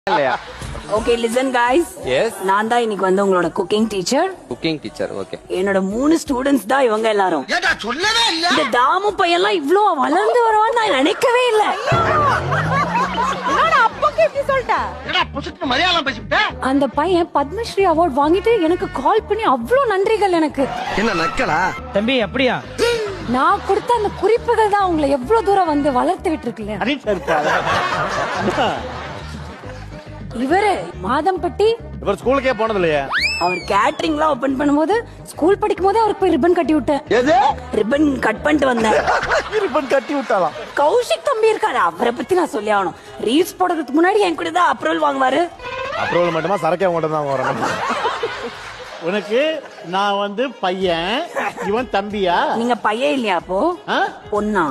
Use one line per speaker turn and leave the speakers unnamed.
இல்லையா?
Okay listen guys.
Yes.
நான் தான் இன்னைக்கு வந்து உங்களோட cooking teacher.
Cooking teacher. Okay.
என்னோட 3 ஸ்டூடண்ட்ஸ் தான் இவங்க எல்லாரும்.
ஏடா சொல்லவே இல்ல.
இந்த தாமு பையன்லாம் இவ்ளோ வளர்ந்து வருவான்னு நான் நினைக்கவே இல்ல.
என்னோட அப்பாக்கு எப்படி சொல்லிட்ட?
ஏடா புசுக்கு மலையாளம் பேசிட்ட.
அந்த பையன் பத்மஸ்ரீ அவார்ட் வாங்கிட்டு எனக்கு கால் பண்ணி அவ்ளோ நன்றிகள் எனக்கு.
என்ன நக்கலா?
தம்பி அப்படியா?
நான் கொடுத்த அந்த குறிப்புகள் தான் உங்களை எவ்வளவு தூரம் வந்து வளர்த்து விட்டுருக்குல்ல. இவரு மாதம்பட்டி
இவர் ஸ்கூலுக்கே போனது இல்லையா?
அவர் கேட்டரிங்லாம் ஓபன்
பண்ணும்போது ஸ்கூல் படிக்கும் போதே அவருக்கு போய் ரிப்பன் கட்டி விட்டேன்.
எது?
ரிப்பன் கட் பண்ணிட்டு வந்தேன்.
ரிப்பன் கட்டி விட்டாலாம்.
கௌஷிக் தம்பி இருக்காரு, அவரை பத்தி நான் சொல்லி ஆகணும். ரீல்ஸ் போடுறதுக்கு முன்னாடி என் கூட தான் அப்ரூவல் வாங்குவாரு.
அப்ரூவல் மட்டுமா சரக்கே உங்கள்கிட்ட தான் வரணும்.
உனக்கு நான் வந்து பையன், இவன் தம்பியா?
நீங்க பையன் இல்லையா அப்போ? பொண்ணா?